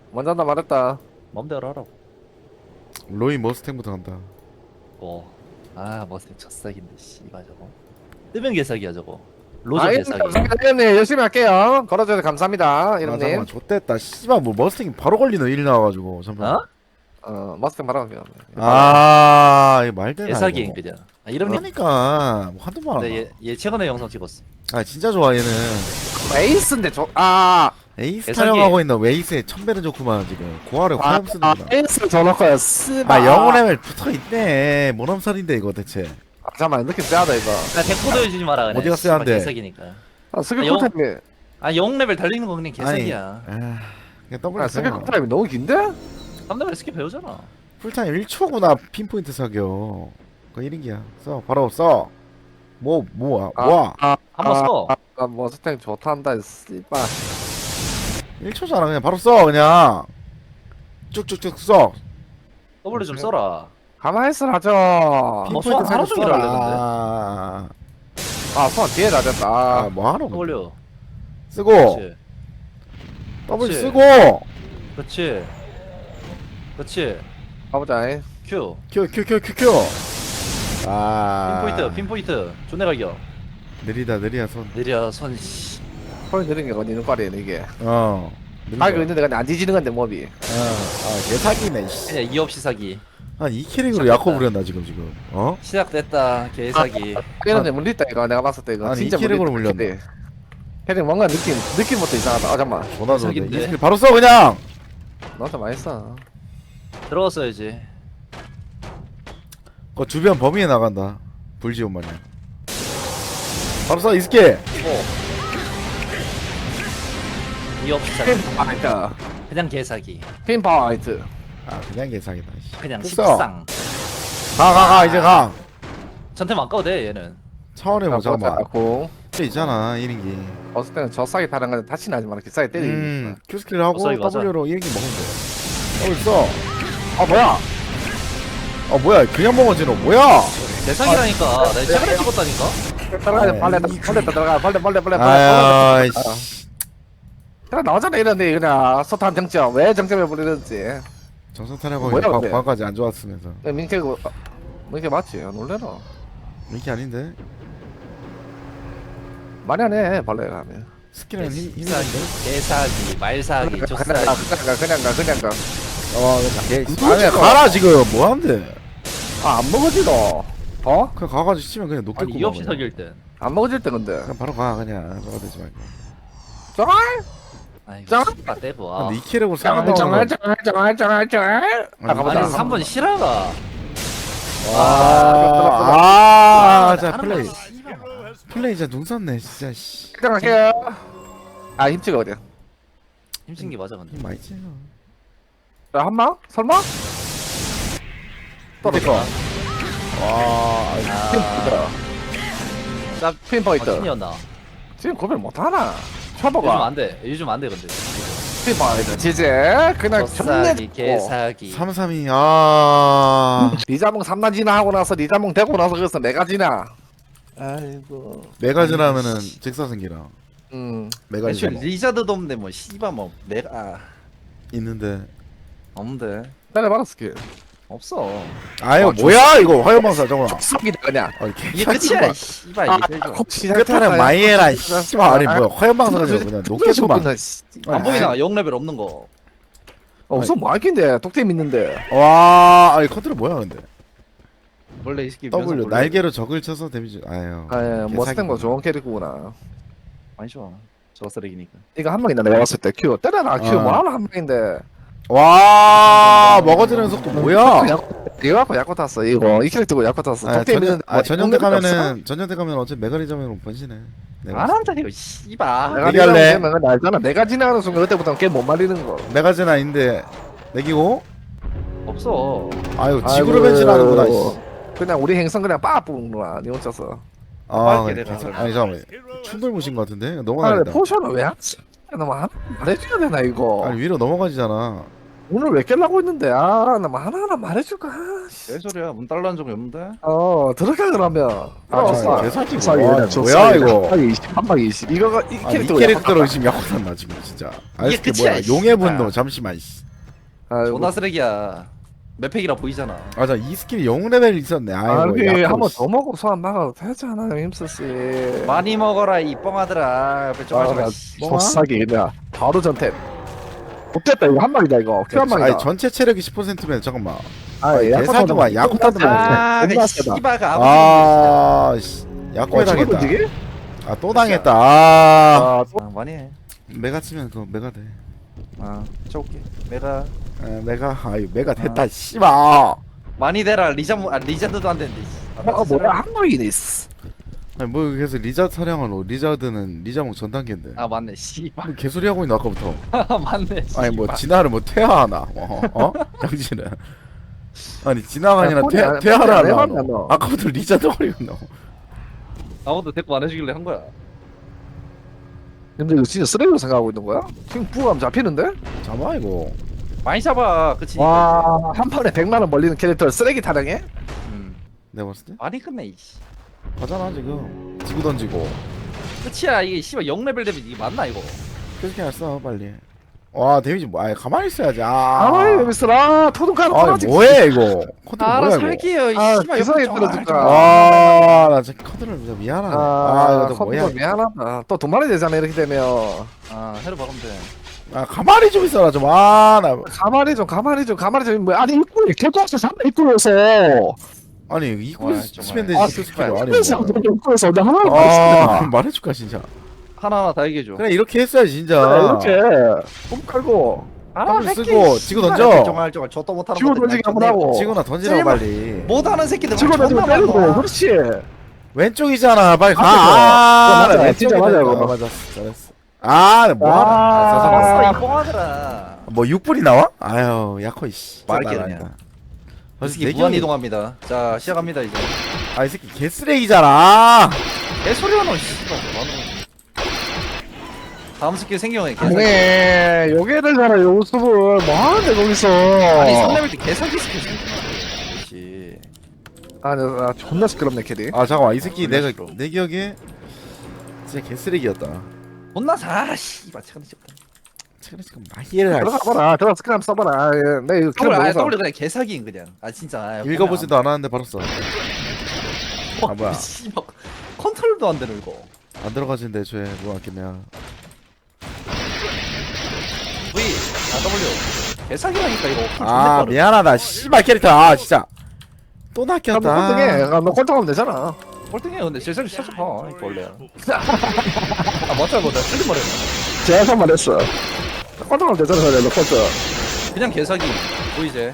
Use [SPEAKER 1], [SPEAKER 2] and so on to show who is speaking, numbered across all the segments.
[SPEAKER 1] 먼저 한다 말했다.
[SPEAKER 2] 맘대로 하라고.
[SPEAKER 3] 로이 머스탱부터 간다.
[SPEAKER 2] 머스탱 첫사기인데 씨발 저거. 뜨면 개사기야 저거. 로저
[SPEAKER 1] 아,
[SPEAKER 2] 개사기.
[SPEAKER 1] 감사합니다. 이런님 열심히 할게요. 걸어줘서 감사합니다.
[SPEAKER 3] 아
[SPEAKER 1] 이런님.
[SPEAKER 3] 잠깐만 좆됐다. 씨발 뭐 머스탱이 바로 걸리는 일 나와가지고 잠깐.
[SPEAKER 2] 어?
[SPEAKER 1] 머스탱 바로 갈게요.
[SPEAKER 3] 아 이거 말대나.
[SPEAKER 2] 개사기인 그냥. 이름이.
[SPEAKER 3] 그러니까 뭐 한두 번 하나.
[SPEAKER 2] 얘 최근에 영상 찍었어.
[SPEAKER 3] 아 진짜 좋아 얘는.
[SPEAKER 1] 에이스인데
[SPEAKER 3] 에이스
[SPEAKER 2] 개사기.
[SPEAKER 3] 타령하고 있는 웨이스의 천배는 좋구만 지금. 고아를 화염 쓰는구나.
[SPEAKER 1] 에이스를 줘놓고요. 쓰바.
[SPEAKER 3] 아 영혼의 붙어있네. 뭔 암살인데 이거 대체.
[SPEAKER 1] 잠깐만 느낌 세하다 이거.
[SPEAKER 2] 나 대포도 해주지 마라 그냥.
[SPEAKER 3] 어디가
[SPEAKER 2] 씨발,
[SPEAKER 3] 세한데?
[SPEAKER 2] 개사기니까.
[SPEAKER 1] 스킬
[SPEAKER 2] 영-
[SPEAKER 1] 쿨타임이.
[SPEAKER 2] 영 레벨 달리는 거 그냥 개사기야.
[SPEAKER 3] 아 그냥 더블
[SPEAKER 1] 스킬
[SPEAKER 3] 써.
[SPEAKER 1] 쿨타임이 너무 긴데?
[SPEAKER 2] 3레벨 스킬 배우잖아.
[SPEAKER 3] 풀타임 1초구나 핀포인트 사격. 그거 1인기야. 써 바로 써. 뭐야
[SPEAKER 2] 한번 써.
[SPEAKER 1] 머스탱 좋단다. 씨바.
[SPEAKER 3] 1초잖아 그냥 바로 써 그냥. 쭉쭉쭉 써.
[SPEAKER 2] W 좀 써라.
[SPEAKER 1] 가만히 있으라 하죠.
[SPEAKER 3] 핀포인트
[SPEAKER 2] 하루
[SPEAKER 3] 사격
[SPEAKER 2] 종일
[SPEAKER 3] 써라.
[SPEAKER 2] 하려는데.
[SPEAKER 1] 손 뒤에 다 됐다.
[SPEAKER 3] 아 뭐하노
[SPEAKER 2] W.
[SPEAKER 3] 쓰고
[SPEAKER 2] 그렇지.
[SPEAKER 3] 더블
[SPEAKER 2] 그렇지.
[SPEAKER 3] 쓰고
[SPEAKER 2] 그렇지. 그렇지.
[SPEAKER 1] 가보자.
[SPEAKER 2] Q.
[SPEAKER 3] 큐. 아
[SPEAKER 2] 핀포인트. 존내 갈겨.
[SPEAKER 3] 느리다 손.
[SPEAKER 2] 느려 손 씨.
[SPEAKER 1] 손이 느린 게 어디 있는 거리야 이게.
[SPEAKER 3] 느리다.
[SPEAKER 1] 가고 있는데 그냥 안 뒤지는 건데 몹이.
[SPEAKER 3] 개사기네 씨.
[SPEAKER 2] 그냥 이 없이 사기.
[SPEAKER 3] 한 2캐릭으로 야코 부렸나 지금
[SPEAKER 2] 시작됐다. 개사기.
[SPEAKER 1] 이런데 물렸다 이거 내가 봤을 때 이거
[SPEAKER 3] 아니,
[SPEAKER 1] 진짜
[SPEAKER 3] 이 캐릭으로
[SPEAKER 1] 물렸다.
[SPEAKER 3] 물렸네.
[SPEAKER 1] 캐릭 뭔가 느낌부터 이상하다. 잠깐만.
[SPEAKER 3] 전화 줘.
[SPEAKER 2] 개사기인데.
[SPEAKER 3] 이 스킬 바로 써 그냥.
[SPEAKER 1] 너한테 많이 써.
[SPEAKER 2] 들어갔어야지.
[SPEAKER 3] 그 주변 범위에 나간다. 불지온 마냥. 바로 써 이 스킬.
[SPEAKER 2] 이 없이 사기.
[SPEAKER 1] 핀파이트.
[SPEAKER 2] 그냥 개사기.
[SPEAKER 1] 핀파이트.
[SPEAKER 3] 아 그냥 개사기다. 씨.
[SPEAKER 2] 그냥
[SPEAKER 3] 됐어.
[SPEAKER 2] 식상.
[SPEAKER 3] 가 이제 가.
[SPEAKER 2] 전템 안 까도 돼 얘는.
[SPEAKER 3] 차원에 뭐 잠깐만.
[SPEAKER 1] 고
[SPEAKER 3] 있잖아 1인기.
[SPEAKER 1] 어을 때는 저 싸게 타는 건데 다치는 하지 마라. 기싸게 때리기.
[SPEAKER 3] Q 스킬 하고
[SPEAKER 2] 어서 이거
[SPEAKER 3] W로 1인기 먹으면 돼. 더블 써.
[SPEAKER 1] 뭐야?
[SPEAKER 3] 뭐야 그냥 먹어지노 뭐야?
[SPEAKER 2] 개사기라니까. 내가 최근에 찍었다니까.
[SPEAKER 1] 들어가 빨래 들어가 빨래.
[SPEAKER 3] 아유 씨.
[SPEAKER 1] 그냥 나오잖아 이런데 그냥 소탄 정점 왜 정점에 부리는지.
[SPEAKER 3] 정선 타령하고
[SPEAKER 1] 뭐야, 근데?
[SPEAKER 3] 과까지 안 좋았으면서.
[SPEAKER 1] 민캐 맞지? 놀래라.
[SPEAKER 3] 이게 아닌데.
[SPEAKER 1] 많이 하네 벌레가 하면.
[SPEAKER 3] 스킬은 힘든데.
[SPEAKER 2] 개사기, 말사기,
[SPEAKER 1] 그냥
[SPEAKER 2] 조사기.
[SPEAKER 1] 그냥 가.
[SPEAKER 3] 아니 가라 지금 뭐 한대?
[SPEAKER 1] 안 먹어지 너.
[SPEAKER 3] 그냥 가가지고 치면 그냥 높게
[SPEAKER 2] 아니 이 없이 사기일 땐.
[SPEAKER 1] 안 먹어질 때 근데.
[SPEAKER 3] 그냥 바로 가 그냥 저거 되지 말고.
[SPEAKER 1] 쩔?
[SPEAKER 2] 아이고
[SPEAKER 1] 짱?
[SPEAKER 2] 씨발 떼고
[SPEAKER 3] 근데
[SPEAKER 2] 와.
[SPEAKER 3] 이 캐릭으로
[SPEAKER 1] 쩔.
[SPEAKER 3] 싸운다고.
[SPEAKER 1] 가보자.
[SPEAKER 2] 아니 3번 실화가.
[SPEAKER 3] 자
[SPEAKER 2] 하는
[SPEAKER 3] 플레이.
[SPEAKER 2] 거 씨발.
[SPEAKER 3] 플레이 진짜 눈 샀네 진짜 씨.
[SPEAKER 1] 갈게요. 힘치가 어디야?
[SPEAKER 2] 힘쓴 게 맞아 근데.
[SPEAKER 3] 힘 많이 찌어.
[SPEAKER 1] 한방? 설마? 떨어져.
[SPEAKER 2] 아, 나
[SPEAKER 1] 핀포인트.
[SPEAKER 2] 신이었나?
[SPEAKER 1] 지금 구별 못하나?
[SPEAKER 2] 요즘
[SPEAKER 1] 쳐봐봐.
[SPEAKER 2] 안 돼. 요즘 안 돼 근데.
[SPEAKER 1] 핀포인트. 지제 그냥
[SPEAKER 2] 조사기, 개사기.
[SPEAKER 3] 332
[SPEAKER 1] 리자몽 3단 지나 하고 나서 리자몽 되고 나서 그래서 내가 지나. 아이고.
[SPEAKER 3] 메가즈나 하면은 직사승기랑 메가즈
[SPEAKER 2] 애초에 리자드도 없는데 뭐 씨발 뭐 내가
[SPEAKER 3] 있는데.
[SPEAKER 2] 없는데
[SPEAKER 1] 때려봐라 스킬.
[SPEAKER 2] 없어.
[SPEAKER 3] 아유 뭐야 이거 화염방사 저거.
[SPEAKER 1] 썩이다 그냥.
[SPEAKER 2] 이게 끝이야. 씨발 이게 제일 좋아.
[SPEAKER 3] 끝하는 마이에라 씨발 아니 뭐야 화염방사가 그냥 녹겠구만.
[SPEAKER 2] 안 보이나? 0레벨 없는 거.
[SPEAKER 1] 없어 뭐 할긴데 독템 있는데.
[SPEAKER 3] 와 아니 컨트롤 뭐야 근데.
[SPEAKER 2] 원래 이 새끼
[SPEAKER 3] W 날개로 적을 쳐서 데미지. 아유.
[SPEAKER 1] 머스탱보다 좋은 캐릭터구나.
[SPEAKER 2] 많이 좋아. 저 쓰레기니까.
[SPEAKER 1] 이거 한 방이다 내가 봤을 때 큐 때려라 큐 뭐하나 한 방인데.
[SPEAKER 3] 와 먹어지는 속도 뭐야?
[SPEAKER 1] 이거 갖고 약고 탔어 이거 이 캐릭터고 약고 탔어. 독템 있는데
[SPEAKER 3] 전년대 가면은 어차피 메가리즘으로 번지네.
[SPEAKER 2] 안 한다 이거 씨발.
[SPEAKER 1] 내가
[SPEAKER 3] 얘기할래?
[SPEAKER 1] 지나면 근데 알잖아. 내가 지나가는 순간 그때부터 게임 못 말리는 거.
[SPEAKER 3] 메가즈는 아닌데 내기고.
[SPEAKER 2] 없어.
[SPEAKER 3] 아유 지구로 변신하는구나. 씨.
[SPEAKER 1] 그냥 우리 행성 그냥 빠 뽑는구나 니 혼자서.
[SPEAKER 3] 아
[SPEAKER 2] 빨리 내놔,
[SPEAKER 3] 아니 잠깐만 충돌 무신 것 같은데
[SPEAKER 1] 아 근데
[SPEAKER 3] 넘어가겠다.
[SPEAKER 1] 포션을 왜 하지? 너무 말해줘야 되나 이거.
[SPEAKER 3] 아니 위로 넘어가지잖아.
[SPEAKER 1] 오늘 왜 깰라고 했는데 나 뭐 하나하나 말해줄까.
[SPEAKER 2] 개소리야. 문 달라는 적이 없는데.
[SPEAKER 1] 들어가 그러면.
[SPEAKER 3] 아, 개사기
[SPEAKER 1] 뭐야
[SPEAKER 3] 뭐야 이거.
[SPEAKER 1] 한 방에 20 이거가 이
[SPEAKER 3] 아, 이
[SPEAKER 1] 캐릭터가
[SPEAKER 3] 캐릭터로 지금 약혼한다 지금 진짜. 아, 이게
[SPEAKER 2] 끝이야,
[SPEAKER 3] 뭐야?
[SPEAKER 2] 씨.
[SPEAKER 3] 용의 분노 잠시만. 씨.
[SPEAKER 2] 존나 쓰레기야. 맵팩이라 보이잖아.
[SPEAKER 3] 맞아 이 스킬이 영 레벨 있었네. 아이고.
[SPEAKER 1] 여기
[SPEAKER 3] 약혼,
[SPEAKER 1] 한번
[SPEAKER 3] 씨.
[SPEAKER 1] 더 먹고 소환 막아도 되잖아 힘쓰씨.
[SPEAKER 2] 많이 먹어라 이 뻥아들아. 옆에 좀 하지 마. 씨.
[SPEAKER 1] 조사기 그냥 바로 전탭. 못됐다 이거 한 방이다 이거. 큐 한 방이다.
[SPEAKER 3] 아니 전체 체력이 10%면 잠깐만.
[SPEAKER 1] 야코타도
[SPEAKER 3] 야코타도
[SPEAKER 2] 아,
[SPEAKER 1] 겁나
[SPEAKER 2] 그
[SPEAKER 1] 세다.
[SPEAKER 2] 씨바가
[SPEAKER 3] 아, 씨. 약혼에 당했다.
[SPEAKER 1] 던지기?
[SPEAKER 3] 아, 또 당했다. 아.
[SPEAKER 2] 많이 해.
[SPEAKER 3] 메가 치면 그거 메가 돼.
[SPEAKER 2] 쳐올게. 내가
[SPEAKER 3] 메가 메가 됐다. 씨발.
[SPEAKER 2] 많이 대라. 리자드도 안 되는데.
[SPEAKER 1] 뭐야 한 방이네.
[SPEAKER 3] 아니 뭐 그래서 리자드 사냥하노. 리자드는 리자몽 전 단계인데.
[SPEAKER 2] 맞네. 씨발.
[SPEAKER 3] 뭐 개소리 하고 있는 아까부터.
[SPEAKER 2] 맞네.
[SPEAKER 3] 아니 뭐
[SPEAKER 2] 씨발.
[SPEAKER 3] 진화를 뭐 퇴화하나? 당신은. 아니 진화가 아니라
[SPEAKER 1] 폰이 안-
[SPEAKER 3] 퇴화를
[SPEAKER 1] 폰이 안
[SPEAKER 3] 하나?
[SPEAKER 1] 해봤나, 너?
[SPEAKER 3] 아까부터 리자드 거리고 있노.
[SPEAKER 2] 아무도 데리고 안 해주길래 한 거야.
[SPEAKER 1] 근데 이거 진짜 쓰레기로 생각하고 있는 거야? 지금 부감 잡히는데?
[SPEAKER 3] 잡아 이거.
[SPEAKER 2] 많이 잡아. 그치?
[SPEAKER 1] 와, 한 판에 100만 원 벌리는 캐릭터를 쓰레기 타령해?
[SPEAKER 3] 내가 봤을 때
[SPEAKER 2] 많이 끝내 이씨.
[SPEAKER 3] 가잖아 지금. 지구 던지고.
[SPEAKER 2] 끝이야. 이게 씨발 0레벨 되면 이게 맞나 이거?
[SPEAKER 3] 계속 그냥 써 빨리. 와 데미지 뭐? 아니 가만히 있어야지.
[SPEAKER 1] 아이, 미스라 토동카는
[SPEAKER 3] 아
[SPEAKER 1] 떨어지.
[SPEAKER 3] 뭐해 이거? 컨트롤 뭐야 이거?
[SPEAKER 2] 살게요. 이
[SPEAKER 1] 아,
[SPEAKER 2] 씨발
[SPEAKER 1] 기사에
[SPEAKER 2] 옆에 좀
[SPEAKER 1] 들어줄까?
[SPEAKER 3] 아나 진짜 카드를 진짜 미안하네. 이거 또 뭐야?
[SPEAKER 1] 미안하다. 또 돈 많이 되잖아 이렇게 되면.
[SPEAKER 2] 해로 박으면 돼.
[SPEAKER 3] 가만히 좀 있어라 좀. 나
[SPEAKER 1] 가만히 좀. 뭐 아니 입구에 개도학생 3대 입구에서.
[SPEAKER 3] 아니 이거
[SPEAKER 2] 와,
[SPEAKER 3] 치면
[SPEAKER 2] 정말.
[SPEAKER 3] 되지 스킬 아니
[SPEAKER 1] 입구에서
[SPEAKER 3] 뭐.
[SPEAKER 1] 입구에서 내가 하나
[SPEAKER 3] 말해줄까 진짜.
[SPEAKER 2] 하나하나 다 얘기해줘.
[SPEAKER 3] 그래 이렇게 했어야지 진짜.
[SPEAKER 1] 이렇게 꿈 깔고
[SPEAKER 3] 더블 쓰고 지구 던져.
[SPEAKER 2] 정말 저도 못하는
[SPEAKER 1] 지구 던지기 한번 하고.
[SPEAKER 3] 지구나 던지라고
[SPEAKER 2] 쓸모-
[SPEAKER 3] 빨리.
[SPEAKER 2] 못하는 새끼들
[SPEAKER 1] 지구 던지고 때리고 그렇지.
[SPEAKER 3] 왼쪽이잖아 빨리 가.
[SPEAKER 1] 맞아,
[SPEAKER 3] 나
[SPEAKER 1] 진짜 맞아, 이거.
[SPEAKER 3] 맞았어 잘했어. 뭐하나?
[SPEAKER 2] 아, 이 뻥하더라.
[SPEAKER 3] 뭐 6분이 나와? 아유 야코 이씨.
[SPEAKER 2] 말게
[SPEAKER 3] 나,
[SPEAKER 2] 그냥.
[SPEAKER 3] 나.
[SPEAKER 2] 이 새끼
[SPEAKER 3] 내
[SPEAKER 2] 무한
[SPEAKER 3] 기억이-
[SPEAKER 2] 이동합니다. 자 시작합니다 이제.
[SPEAKER 3] 이 새끼 개쓰레기잖아.
[SPEAKER 2] 개소리야 너 씨발. 다음 스킬 생경해 개사기.
[SPEAKER 1] 네, 요게를 가라 요습을 뭐 하는데 거기서.
[SPEAKER 2] 아니 3레벨 때 개사기 스킬 생경해. 그렇지.
[SPEAKER 1] 나 존나 시끄럽네 캐디.
[SPEAKER 3] 잠깐만 이 새끼
[SPEAKER 2] 존나
[SPEAKER 3] 내가
[SPEAKER 2] 싫어.
[SPEAKER 3] 내 기억에 진짜 개쓰레기였다.
[SPEAKER 2] 혼나 사 씨발 체크는 찍었다.
[SPEAKER 3] 지금 마히를 할
[SPEAKER 1] 들어가 봐라. 들어가 스크램 써봐라. 내 이거
[SPEAKER 2] 더블
[SPEAKER 1] 먹어서.
[SPEAKER 2] 더블 그냥 개사기인 그냥. 진짜.
[SPEAKER 3] 읽어보지도 않았는데 바로 써. 뭐야.
[SPEAKER 2] 씨발 컨트롤도 안 되는 이거.
[SPEAKER 3] 안 들어가진데 죄 뭐 아끼냐.
[SPEAKER 2] V W 개사기라니까 이거.
[SPEAKER 3] 미안하다 씨발 캐릭터 진짜 또
[SPEAKER 1] 나
[SPEAKER 3] 낚였다.
[SPEAKER 1] 꼴등해. 너 꼴등하면 되잖아.
[SPEAKER 2] 꼴등해 근데 제사기 살짝 봐 이거 원래. 맞아 맞아 틀린 말이야.
[SPEAKER 1] 제가 말했어. 꼴등하면 되잖아. 그래, 너 꼴등.
[SPEAKER 2] 그냥 개사기 보이제.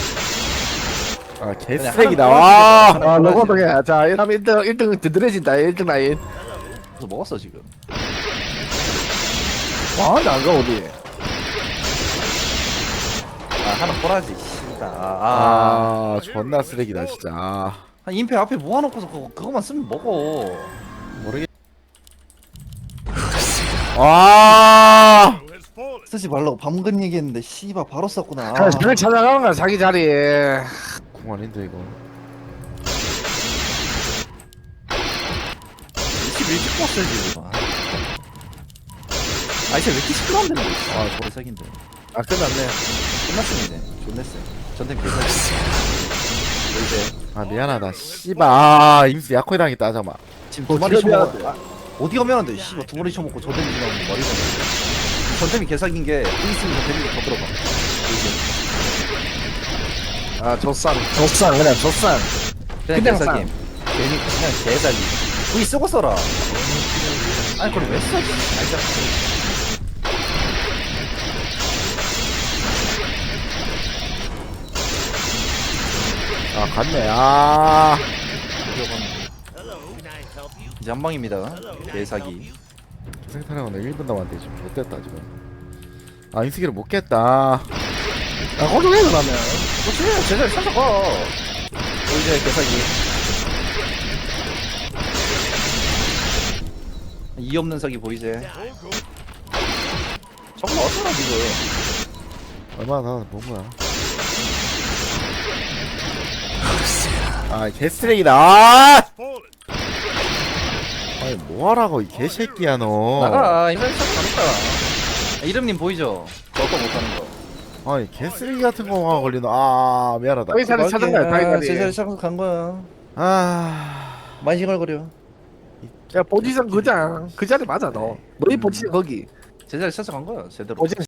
[SPEAKER 3] 개쓰레기다.
[SPEAKER 2] 그냥
[SPEAKER 3] 와.
[SPEAKER 1] 너 꼴등해. 자, 이러면 1등 드드레진다. 1등 라인.
[SPEAKER 2] 그래서 먹었어 지금.
[SPEAKER 1] 근데 안 가, 어디.
[SPEAKER 2] 하나 꼬라지 씨다.
[SPEAKER 3] 존나 쓰레기다 진짜.
[SPEAKER 2] 한 인페 앞에 모아놓고서 그거만 쓰면 먹어.
[SPEAKER 3] 모르겠.
[SPEAKER 2] 쓰지 말라고 방금 얘기했는데 씨발 바로 썼구나.
[SPEAKER 1] 자리 찾아가는 거야, 자기 자리에.
[SPEAKER 3] 궁 아닌데 이거.
[SPEAKER 2] 21집 뽑았어야지 이거. 이제 왜 이렇게 시끄러운데 너. 개사기인데.
[SPEAKER 1] 끝났네.
[SPEAKER 2] 끝났으면 이제 존냈어. 전템 개사기. 보이제.
[SPEAKER 3] 미안하다 씨발. 임수 약호에 당했다. 잠깐만.
[SPEAKER 2] 지금 두 마리 쳐먹어. 어디 가면 안 돼? 씨발 두 마리 쳐먹고 저 데미지 나오는 말이 안 돼. 전템이 개사기인 게 있으면 저 데미지 더 들어가. 보이제.
[SPEAKER 1] 조쌍, 그냥 조쌍.
[SPEAKER 2] 그냥
[SPEAKER 1] 그냥
[SPEAKER 2] 개사기. 괜히 그냥 개사기. V 쓰고 써라. 아니 그걸 왜 써? 알자.
[SPEAKER 3] 갔네.
[SPEAKER 2] 이제 한 방입니다. 개사기.
[SPEAKER 3] 생타령은 1분 남았는데 지금 못됐다 지금. 인수기를 못 깼다.
[SPEAKER 1] 꼴등해, 그러면.
[SPEAKER 2] 그렇지 제자리 살짝 가. 보이제 개사기. 이 없는 사기 보이제. 저거 어쩌나 지금.
[SPEAKER 3] 얼마나 다본 거야? 아 개쓰레기다. 아니 뭐하라고 이 개새끼야 너.
[SPEAKER 2] 나가 이번에 참 가겠다. 이름님 보이죠? 저거 못하는 거.
[SPEAKER 3] 아니 개쓰레기 같은 거만 걸리노. 아 미안하다.
[SPEAKER 1] 저희 자리 찾은 거야 저희 자리
[SPEAKER 2] 제자리 찾아서 간 거야.
[SPEAKER 3] 아
[SPEAKER 2] 많이 싱얼거려.
[SPEAKER 1] 야 포지션 그장 그 자리 맞아 너 너희 포지션 거기
[SPEAKER 2] 제자리 찾아간 거야 제대로.
[SPEAKER 1] 포지션